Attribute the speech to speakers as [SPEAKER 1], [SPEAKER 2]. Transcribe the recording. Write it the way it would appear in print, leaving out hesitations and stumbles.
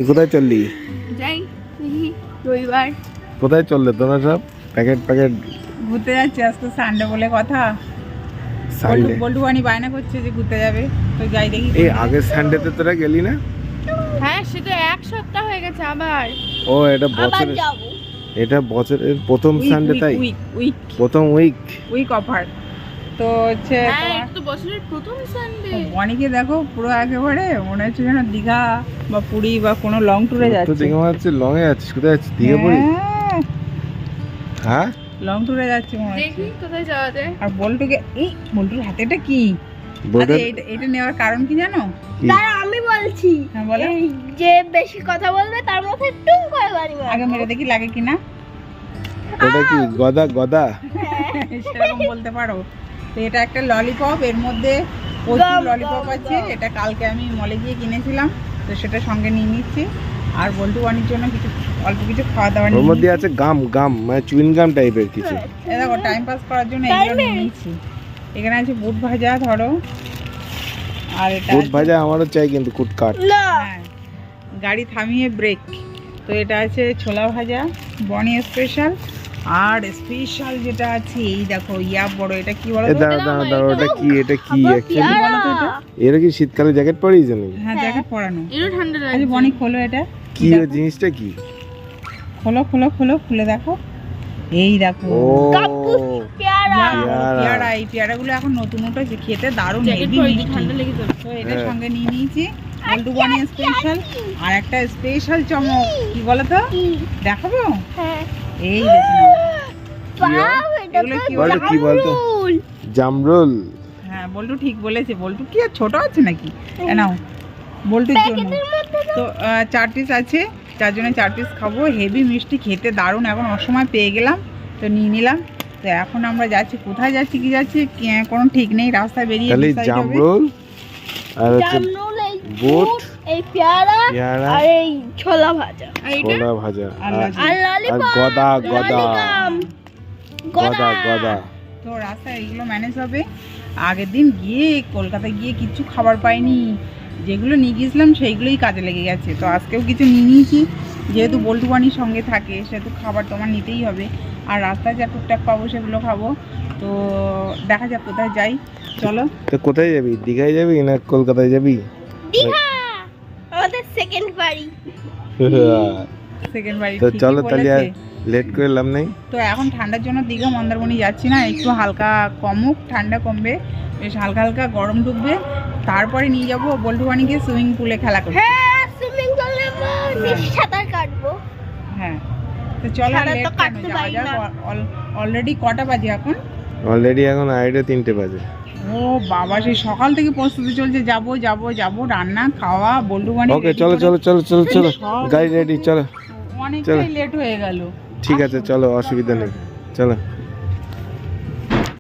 [SPEAKER 1] কোথায় চললি?
[SPEAKER 2] যাই রবিবার।
[SPEAKER 1] কোথায় চললে তোমরা সব? প্যাকেট
[SPEAKER 3] ঘুরতে যাচ্ছি, আজকে সানডে বলে কথা।
[SPEAKER 1] সানডে?
[SPEAKER 3] বল্টুয়ানি বায়না করছে যে ঘুরতে যাবে, তো যাই দেখি।
[SPEAKER 1] এই আগের সানডেতে তোরা গেলি না?
[SPEAKER 2] হ্যাঁ, সে তো এক সপ্তাহ হয়ে গেছে আবার।
[SPEAKER 1] ও এটা বছরের প্রথম সানডে, তাই? প্রথম উইক
[SPEAKER 3] অফার তো হচ্ছে।
[SPEAKER 2] হ্যাঁ, এটা তো বছরের প্রথম সানডে।
[SPEAKER 3] অনেকে দেখো পুরো একেবারে মনে হচ্ছে যেন দীঘা বা পুরী বা কোনো লং ট্যুরে
[SPEAKER 1] তো
[SPEAKER 3] যাচ্ছে।
[SPEAKER 1] দেখে মনে হচ্ছে লং এ যাচ্ছিস। কোথায় যাচ্ছিস? দীঘা পুরী? হ্যাঁ,
[SPEAKER 3] লং ট্যুরে যাচ্ছে মনে হচ্ছে।
[SPEAKER 2] দেখি কোথায় যাওয়া যায়।
[SPEAKER 3] আর বল্টুর হাতে এটা কি?
[SPEAKER 1] বলতে
[SPEAKER 3] এটা নেওয়ার কারণ কি জানো?
[SPEAKER 4] দাঁড়া আমি বলছি।
[SPEAKER 3] হ্যাঁ বলো।
[SPEAKER 4] এই যে বেশি কথা বলবে তার মাথায় টুং করে বাড়ি মারবো।
[SPEAKER 3] আগে মেরে দেখি লাগে কিনা।
[SPEAKER 1] ওটা কি গদা?
[SPEAKER 3] সেরকম বলতে পারো। তো এটা একটা ললিপপ, এর মধ্যে প্রচুর ললিপপ আছে। এটা কালকে আমি মলে গিয়ে কিনেছিলাম, তো সেটা সঙ্গে নিয়ে নিচ্ছি। আর বল্টু বানির জন্য অল্প কিছু খাওয়া দাওয়া
[SPEAKER 1] ওর
[SPEAKER 3] নিয়ে
[SPEAKER 1] মধ্যে আছে গাম মানে চুইং গাম টাইপের কিছু।
[SPEAKER 3] দেখো টাইম পাস করার জন্য এগুলো নিয়ে নিচ্ছি। এখানে আছে বুট ভাজা, ধরো। আর এটা
[SPEAKER 1] কুট ভাজা আমারও চাই, কিন্তু কুট কাট।
[SPEAKER 4] না
[SPEAKER 3] হ্যাঁ, গাড়ি থামিয়ে ব্রেক। তো এটা আছে ছোলা ভাজা বনি স্পেশাল। আর স্পেশাল যেটা আছে এই দেখো বড়, এটা কি বলো তো?
[SPEAKER 1] দাঁড়া, ওটা কি? এটা কি
[SPEAKER 3] কি বলো তো এটা?
[SPEAKER 1] এরা কি শীতকালে জ্যাকেট পরিয়েছ নাকি?
[SPEAKER 3] হ্যাঁ, জ্যাকেট পরানো।
[SPEAKER 2] এরও ঠান্ডা
[SPEAKER 3] আচ্ছা
[SPEAKER 2] লাগে।
[SPEAKER 3] বনি খোলো এটা।
[SPEAKER 1] কি
[SPEAKER 3] দেখো।
[SPEAKER 1] জিনিসটা কি?
[SPEAKER 3] খুলে দেখো। এই দেখো
[SPEAKER 1] ও
[SPEAKER 4] পেয়ারা।
[SPEAKER 3] পেয়ারা। এই পেয়ারাগুলো এখন নতুন উঠেছে, খেতে দারুণ,
[SPEAKER 2] জ্যাকেট
[SPEAKER 3] হেভি
[SPEAKER 2] পরে
[SPEAKER 3] মিষ্টি।
[SPEAKER 2] ঠান্ডা লেগে যাবে।
[SPEAKER 3] তো এটা
[SPEAKER 1] হ্যাঁ।
[SPEAKER 3] সঙ্গে নিয়ে নিয়েছি বল্টু বানি স্পেশাল। আর একটা স্পেশাল চমক, কি বলো তো? দেখাবো?
[SPEAKER 4] হ্যাঁ
[SPEAKER 3] এই দেখো নাও।
[SPEAKER 4] বাহ, এটা
[SPEAKER 3] এগুলো
[SPEAKER 4] তো
[SPEAKER 3] কি
[SPEAKER 1] বলো, কি বলতো?
[SPEAKER 4] জামরুল।
[SPEAKER 1] জামরুল।
[SPEAKER 3] হ্যাঁ, বল্টু ঠিক বলেছে। বল্টু কি আর ছোট আছে নাকি? নাও বল্টুর জন্য।
[SPEAKER 4] প্যাকেটের মধ্যে
[SPEAKER 3] তো 4 পিস আছে, 4 জনে 4 পিস খাবো। হেভি মিষ্টি, খেতে দারুণ। এখন অসময় পেয়ে গেলাম, তো নিয়ে নিলাম। তো এখন আমরা যাচ্ছি, কোথায় যাচ্ছি কি যাচ্ছি কোনো ঠিক নেই। রাস্তায় বেরিয়ে
[SPEAKER 1] তাহলে
[SPEAKER 3] decide হবে।
[SPEAKER 1] জামরুল আর হচ্ছে
[SPEAKER 4] জামরুল, এই
[SPEAKER 1] বুট,
[SPEAKER 4] বুট, এই পেয়ারা
[SPEAKER 1] পেয়ারা,
[SPEAKER 4] আর এই ছোলা ভাজা
[SPEAKER 2] আর এটা
[SPEAKER 1] ছোলা ভাজা
[SPEAKER 3] আর
[SPEAKER 1] আর
[SPEAKER 4] আর ললিপপ।
[SPEAKER 1] গদা।
[SPEAKER 4] গদা।
[SPEAKER 3] তো রাস্তায় এইগুলো ম্যানেজ হবে। আগের দিন গিয়ে কলকাতায় গিয়ে কিচ্ছু খাবার পাইনি, যেগুলো নিয়ে গিয়েছিলাম সেইগুলোই কাজে লেগে গেছে। তো আজকেও কিছু নিয়ে নিয়েছি, যেহেতু বল্টু বানির সঙ্গে থাকে, সেহেতু খাবার তোমার নিতেই হবে। আর রাস্তায় যা টুকটাক পাবো সেগুলো খাবো। তো দেখা যাক কোথায় যাই, চলো।
[SPEAKER 1] তো কোথায় যাবি? দীঘায় যাবি না কলকাতায় যাবি?
[SPEAKER 4] দীঘা আমাদের সেকেন্ড বাড়ি।
[SPEAKER 3] সেকেন্ড বাড়ি
[SPEAKER 1] তো
[SPEAKER 3] ঠিকই
[SPEAKER 1] চলো তাহলে আর
[SPEAKER 3] বলেছে।
[SPEAKER 1] লেট করে লাভ নেই।
[SPEAKER 3] তো এখন ঠান্ডার জন্য দীঘা মন্দারমণি যাচ্ছি না, একটু হালকা কমুক, ঠান্ডা কমবে, বেশ হালকা হালকা গরম ঢুকবে, তারপরে নিয়ে যাবো বল্টু বানিকে সুইমিং পুলে খেলা করতে।
[SPEAKER 4] হ্যাঁ, সুইমিং করলে সাঁতার কাটবো।
[SPEAKER 3] হ্যাঁ, তো চলো
[SPEAKER 4] সাঁতার
[SPEAKER 3] লেট
[SPEAKER 4] তো কাটতে
[SPEAKER 3] যাওয়া
[SPEAKER 4] পারি
[SPEAKER 3] যাক।
[SPEAKER 4] না।
[SPEAKER 3] অলরেডি কটা বাজে এখন?
[SPEAKER 1] অলরেডি এখন 2:30 বাজে।
[SPEAKER 3] ও বাবা, সেই সকাল থেকে প্রস্তুতি চলছে, যাবো রান্না খাওয়া বল্টু বানি।
[SPEAKER 1] ওকে, চলো গাড়ি রেডি, চলো।
[SPEAKER 3] অনেকটাই লেট হয়ে গেল।
[SPEAKER 1] ঠিক আছে, চলো, অসুবিধা নেই, চলো।